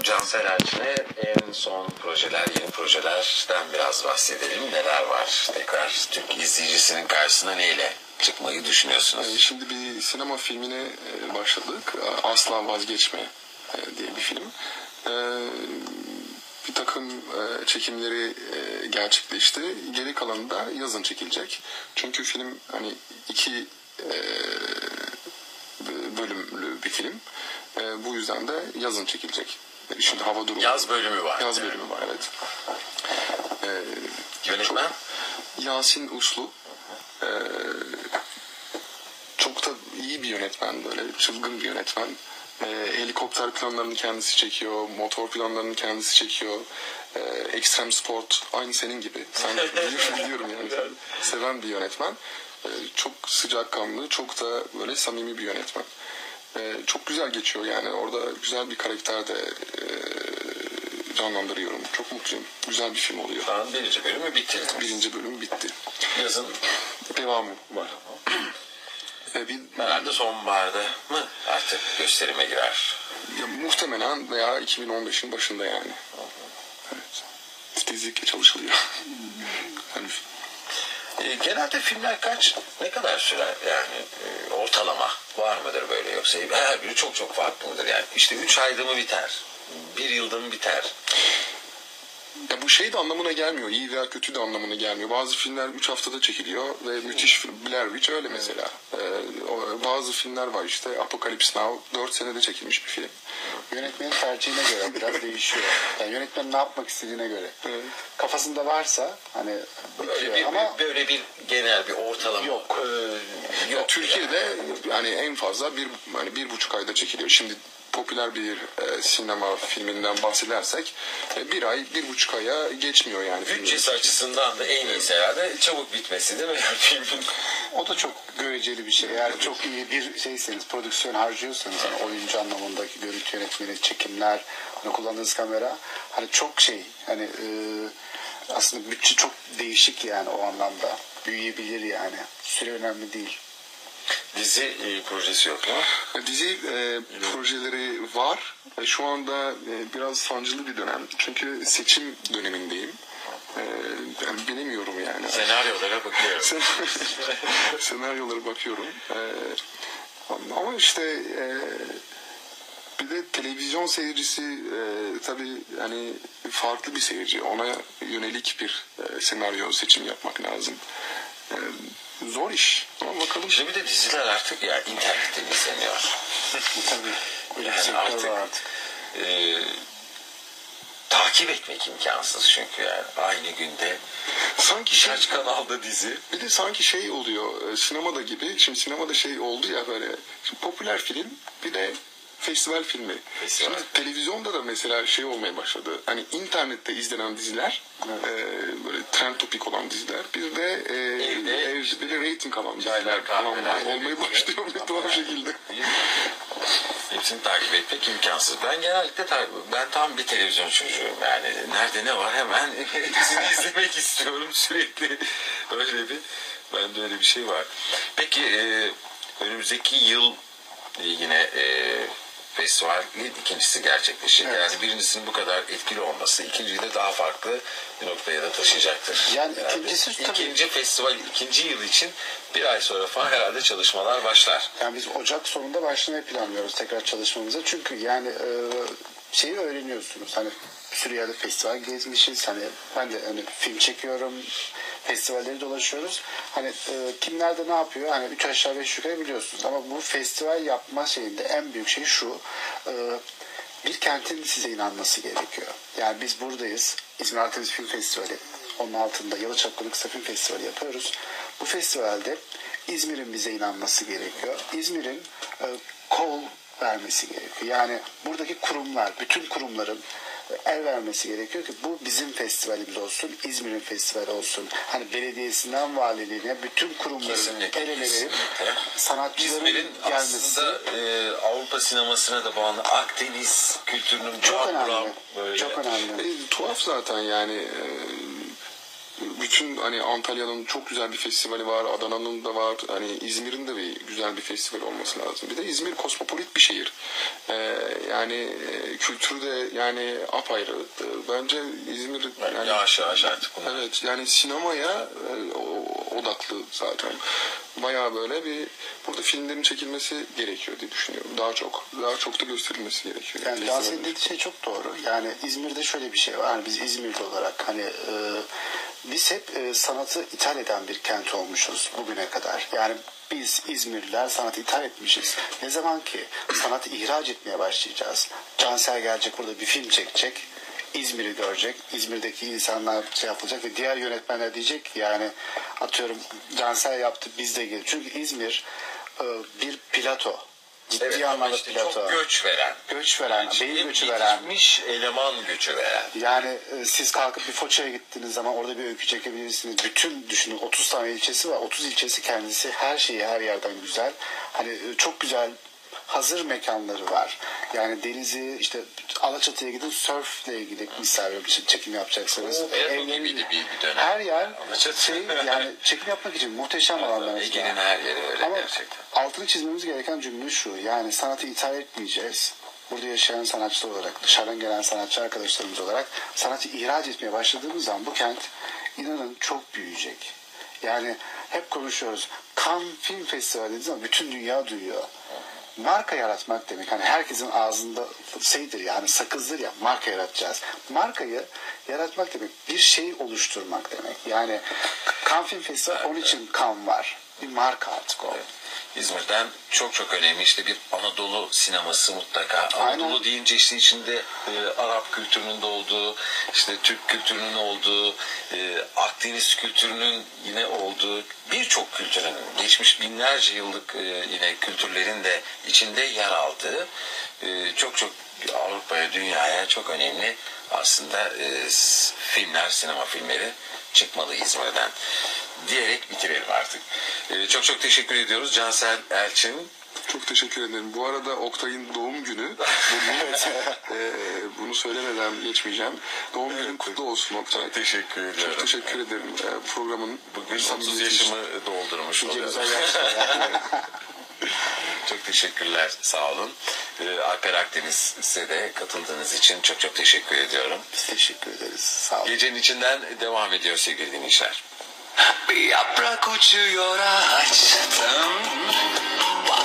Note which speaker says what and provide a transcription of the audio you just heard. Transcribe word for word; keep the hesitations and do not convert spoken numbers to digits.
Speaker 1: Cansel Erçin'e en son projeler, yeni projelerden biraz bahsedelim. Neler var? Tekrar Türk izleyicisinin karşısına neyle çıkmayı düşünüyorsunuz?
Speaker 2: Şimdi bir sinema filmine başladık. Asla Vazgeçme diye bir film. Bir takım çekimleri gerçekleşti. Geri kalanı da yazın çekilecek. Çünkü film hani iki bölümlü bir film. Bu yüzden de yazın çekilecek. Şimdi hava durumu.
Speaker 1: Yaz bölümü var.
Speaker 2: Yaz bölümü var, evet.
Speaker 1: Yönetmen?
Speaker 2: Yasin Uslu. Ee, çok da iyi bir yönetmen, böyle çılgın bir yönetmen. Ee, helikopter planlarını kendisi çekiyor, motor planlarını kendisi çekiyor. Ee, ekstrem sport, aynı senin gibi. Sen de biliyorum, biliyorum yani. Seven bir yönetmen. Ee, çok sıcakkanlı, çok da böyle samimi bir yönetmen. Ee, çok güzel geçiyor yani. Orada güzel bir karakter de e, canlandırıyorum. Çok mutluyum. Güzel bir film oluyor.
Speaker 1: Şu an birinci bölümü bitti.
Speaker 2: Birinci bölüm bitti.
Speaker 1: Yazın
Speaker 2: devamı var. Ee, bir,
Speaker 1: herhalde sonbaharda mı artık gösterime girer?
Speaker 2: Ya, muhtemelen veya iki bin on beşin başında yani. Evet. Titizlikle çalışılıyor. Yani,
Speaker 1: e, genelde filmler kaç, ne kadar sürer yani e, ortalama var mıdır böyle, yoksa her biri çok çok farklı mıdır yani? İşte üç ayda mı biter? Bir yılda mı biter?
Speaker 2: Ya bu şey de anlamına gelmiyor. İyi veya kötü de anlamına gelmiyor. Bazı filmler üç haftada çekiliyor ve müthiş film. Blair Witch öyle mesela. Ee, o, bazı filmler var işte. Apocalypse Now dört senede çekilmiş bir film.
Speaker 3: Yönetmenin tercihine göre biraz değişiyor. Yani yönetmen ne yapmak istediğine göre. Evet. Kafasında varsa hani
Speaker 1: böyle bir,
Speaker 3: ama
Speaker 1: böyle bir genel bir ortalama
Speaker 3: yok.
Speaker 1: Ee, yok
Speaker 2: ya, Türkiye'de yani. yani en fazla bir hani bir buçuk ayda çekiliyor. Şimdi popüler bir e, sinema filminden bahsedersek e, bir ay, bir buçuk aya geçmiyor yani.
Speaker 1: Bütçesi açısından da en iyisi herhalde çabuk bitmesi değil mi yani filmin?
Speaker 3: O da çok göreceli bir şey. Eğer çok iyi bir şeyseniz, prodüksiyon harcıyorsanız, hani oyuncu anlamındaki görüntü yönetmeni, çekimler, hani kullandığınız kamera, hani çok şey, hani e, aslında bütçe çok değişik yani o anlamda. Büyüyebilir yani. Süre önemli değil.
Speaker 1: Dizi e, projesi yok değil mi?
Speaker 2: Dizi e, projeleri var. E, şu anda e, biraz sancılı bir dönem. Çünkü seçim dönemindeyim. E, yani bilemiyorum yani.
Speaker 1: Senaryolara bakıyorum.
Speaker 2: Sen, senaryolara bakıyorum. E, ama işte e, bir de televizyon seyircisi e, tabii hani farklı bir seyirci. Ona yönelik bir e, senaryo seçim yapmak lazım. E, Zor iş. Ama bakalım.
Speaker 1: Şimdi bir de diziler artık ya internetten izleniyor.
Speaker 3: Tabii. Öyle
Speaker 1: yani
Speaker 3: bir
Speaker 1: artık,
Speaker 3: artık.
Speaker 1: E, takip etmek imkansız çünkü yani aynı günde
Speaker 2: sanki şey,
Speaker 1: kaç kanalda dizi.
Speaker 2: Bir de sanki şey oluyor sinemada gibi. Şimdi sinemada şey oldu ya böyle. Şimdi popüler film bir de festival filmi.
Speaker 1: Festival.
Speaker 2: Şimdi televizyonda da mesela şey olmaya başladı. Hani internette izlenen diziler, evet. e, böyle trend topik olan diziler, bir de e,
Speaker 1: Evde,
Speaker 2: ev, bir de rating alan diziler falan olmaya başlıyor bir tuhaf şekilde.
Speaker 1: Hepsini takip etmek imkansız. Ben genellikle ben tam bir televizyon çocuğuyum yani. Nerede ne var hemen hepsini izlemek istiyorum sürekli. Öyle bir, bende öyle bir şey var. Peki e, önümüzdeki yıl yine e, festivalin ikincisi gerçekleşecek. Evet. Yani birincisinin bu kadar etkili olması ikinciyi de daha farklı bir noktaya da taşıyacaktır.
Speaker 3: Yani, yani
Speaker 1: ikincisi ikinci tabii. Festival ikinci yıl için bir ay sonra falan herhalde çalışmalar başlar.
Speaker 3: Yani biz Ocak sonunda başlamayı planlıyoruz tekrar çalışmamıza. Çünkü yani e, şeyi öğreniyorsunuz. Hani bir sürü yerde festival gezmişiz. Hani ben de hani film çekiyorum. Festivalleri dolaşıyoruz. Hani e, kimler de ne yapıyor? Hani üç aşağı beş yukarı biliyorsunuz. Ama bu festival yapma şeyinde en büyük şey şu. E, bir kentin size inanması gerekiyor. Yani biz buradayız. İzmir Artemis Film Festivali. Onun altında Yalı Çapkını Kısa Film Festivali yapıyoruz. Bu festivalde İzmir'in bize inanması gerekiyor. İzmir'in e, kol vermesi gerekiyor. Yani buradaki kurumlar, bütün kurumların el vermesi gerekiyor ki bu bizim festivalimiz olsun, İzmir'in festivali olsun. Hani belediyesinden valiliğine bütün kurumların
Speaker 1: kesinlikle,
Speaker 3: el ele verip sanatçıların
Speaker 1: İzmir'in
Speaker 3: gelmesi.
Speaker 1: Aslında e, Avrupa sinemasına da bağlı Akdeniz kültürünün
Speaker 3: çok
Speaker 1: buram
Speaker 3: önemli.
Speaker 1: buram böyle.
Speaker 3: Çok önemli.
Speaker 2: E, tuhaf zaten yani. E, bütün hani Antalya'nın çok güzel bir festivali var, Adana'nın da var, hani İzmir'in de bir güzel bir festival olması lazım. Bir de İzmir kosmopolit bir şehir. Ee, yani e, kültürü de yani apayrı. Bence İzmir yani,
Speaker 1: yavaş yavaş artık bunlar.
Speaker 2: evet yani sinemaya e, odaklı zaten. Bayağı böyle bir burada filmlerin çekilmesi gerekiyor diye düşünüyorum. Daha çok daha çok da gösterilmesi gerekiyor.
Speaker 3: Yani Cansel'in dediği şey çok doğru. Yani İzmir'de şöyle bir şey var. Yani biz İzmir'de olarak hani e, biz hep e, sanatı ithal eden bir kent olmuşuz bugüne kadar. Yani biz İzmirliler sanatı ithal etmişiz. Ne zaman ki sanatı ihraç etmeye başlayacağız. Cansel gelecek burada bir film çekecek. İzmir'i görecek. İzmir'deki insanlar şey yapılacak ve diğer yönetmenler diyecek ki yani atıyorum Cansel yaptı biz de gelin. Çünkü İzmir e, bir plato. Ciddi
Speaker 1: Evet, ama
Speaker 3: anlamda
Speaker 1: işte
Speaker 3: plato.
Speaker 1: çok göç veren.
Speaker 3: Göç veren, beyin
Speaker 1: Yetişmiş-
Speaker 3: göçü veren.
Speaker 1: Yetişmiş eleman göçü veren.
Speaker 3: Yani e, siz kalkıp bir Foça'ya gittiğiniz zaman orada bir öykü çekebilirsiniz. Bütün düşünün otuz tane ilçesi var. otuz ilçesi kendisi her şeyi her yerden güzel. Hani e, çok güzel hazır mekanları var. Yani denizi işte Alaçatı'ya gidin sörfle ilgili misal bir şey çekim yapacaksınız.
Speaker 1: Oo, Ertuğrul
Speaker 3: Evlerin-
Speaker 1: gibiydi bir- bir dönem.
Speaker 3: Her yer
Speaker 1: Alaçatı.
Speaker 3: şey yani çekim yapmak için muhteşem alanlar.
Speaker 1: Ege'nin her yeri öyle
Speaker 3: Ama
Speaker 1: gerçekten.
Speaker 3: altını çizmemiz gereken cümle şu. Yani sanatı ithal etmeyeceğiz. Burada yaşayan sanatçılar olarak, dışarıdan gelen sanatçı arkadaşlarımız olarak sanatı ihraç etmeye başladığımız zaman bu kent inanın çok büyüyecek. Yani hep konuşuyoruz. Cannes Film Festivali dediğimiz zaman bütün dünya duyuyor. Marka yaratmak demek. Hani herkesin ağzında şeydir yani sakızdır ya marka yaratacağız. Markayı yaratmak demek bir şey oluşturmak demek. Yani Cannes Film Festivali onun için Cannes var. Bir marka artık o.
Speaker 1: İzmir'den çok çok önemli işte bir Anadolu sineması mutlaka.
Speaker 3: Aynen.
Speaker 1: Anadolu deyince işte içinde e, Arap kültürünün de olduğu, işte Türk kültürünün olduğu, e, Akdeniz kültürünün yine olduğu birçok kültürün geçmiş binlerce yıllık e, yine kültürlerin de içinde yer aldığı e, çok çok Avrupa'ya, dünyaya çok önemli aslında e, s- filmler, sinema filmleri çıkmalı İzmir'den diyerek bitirelim artık. Ee, çok çok teşekkür ediyoruz Cansel Elçin.
Speaker 2: Çok teşekkür ederim. Bu arada Oktay'ın doğum günü. Bugün, e, bunu söylemeden geçmeyeceğim. Doğum günün kutlu olsun Oktay.
Speaker 1: Çok teşekkür ediyorum.
Speaker 2: Çok teşekkür ederim. E, programın
Speaker 1: Bugün otuz
Speaker 2: samimiyeti için.
Speaker 1: yaşımı doldurmuş
Speaker 3: Nice
Speaker 1: oluyorum.
Speaker 3: güzel yaşlar.
Speaker 1: Çok teşekkürler. Sağ olun. Ee, Alper Akdeniz size de katıldığınız için çok çok teşekkür ediyorum.
Speaker 3: Biz teşekkür ederiz. Sağ olun.
Speaker 1: Gecenin içinden devam ediyor sevgili dinleyiciler.
Speaker 4: Bir yaprak uçuyor ağaçtan,